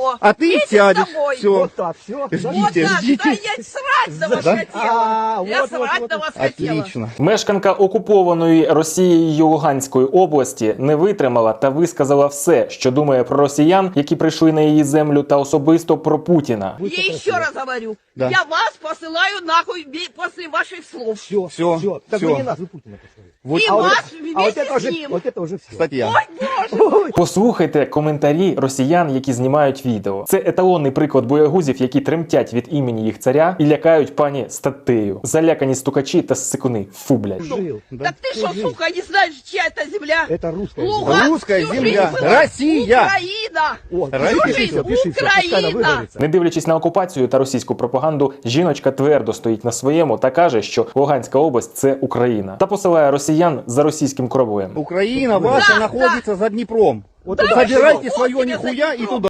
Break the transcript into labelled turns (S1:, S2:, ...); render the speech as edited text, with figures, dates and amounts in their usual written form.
S1: А ты
S2: Едем
S1: сядешь.
S2: домой.
S1: Все.
S3: Вот так, все.
S2: Вот
S1: Ждите,
S2: так,
S1: ждите.
S2: да я срать на вас хотела. Я
S3: вот,
S2: срать
S3: вот,
S2: на
S3: вот.
S2: вас хотела.
S1: Отлично.
S4: Мешканка окупованої Росією Луганської області не витримала та висказала все, що думає про росіян, які прийшли на її землю, та особисто про Путіна.
S2: Я еще раз говорю,
S1: Да.
S2: я вас посылаю нахуй после ваших слов.
S3: Все,
S1: Всё,
S3: все. Так
S1: всё.
S3: вы не нас, вы Путина послали.
S1: Вот,
S2: И
S3: А вот
S2: вас
S3: это- а вот
S2: вместе
S3: это
S2: с
S3: уже,
S2: ним.
S3: вот это уже все.
S1: кстати, я.
S2: Ой, Боже.
S4: Послухайте коментарі росіян, які знімають відео. Це еталонний приклад боягузів, які тремтять від імені їх царя і лякають пані статтею. Залякані стукачі та ссикуни. Фу, блядь.
S3: Жил.
S1: Да.
S2: Так ты что, сука, не знаешь, чья это земля?
S3: Это русская земля.
S2: Луганск
S1: Русская
S2: всю
S1: земля.
S2: жизнь была
S1: Россия.
S2: Украина.
S3: О,
S1: Россия.
S3: пиши всё, пиши всё, пускай она
S2: Украина.
S3: выговорится.
S4: Не дивлячись на окупацію та російську пропаганду, жіночка твердо стоїть на своєму та каже, що Луганська область – це Україна. Та посилає росіян за російським кораблем.
S1: Украина ваша находится за Днепром.
S3: Вот
S2: Да
S3: туда
S2: вы
S1: Собирайте
S2: что,
S1: свое
S2: вот тебе
S1: нихуя и
S2: за
S1: туда.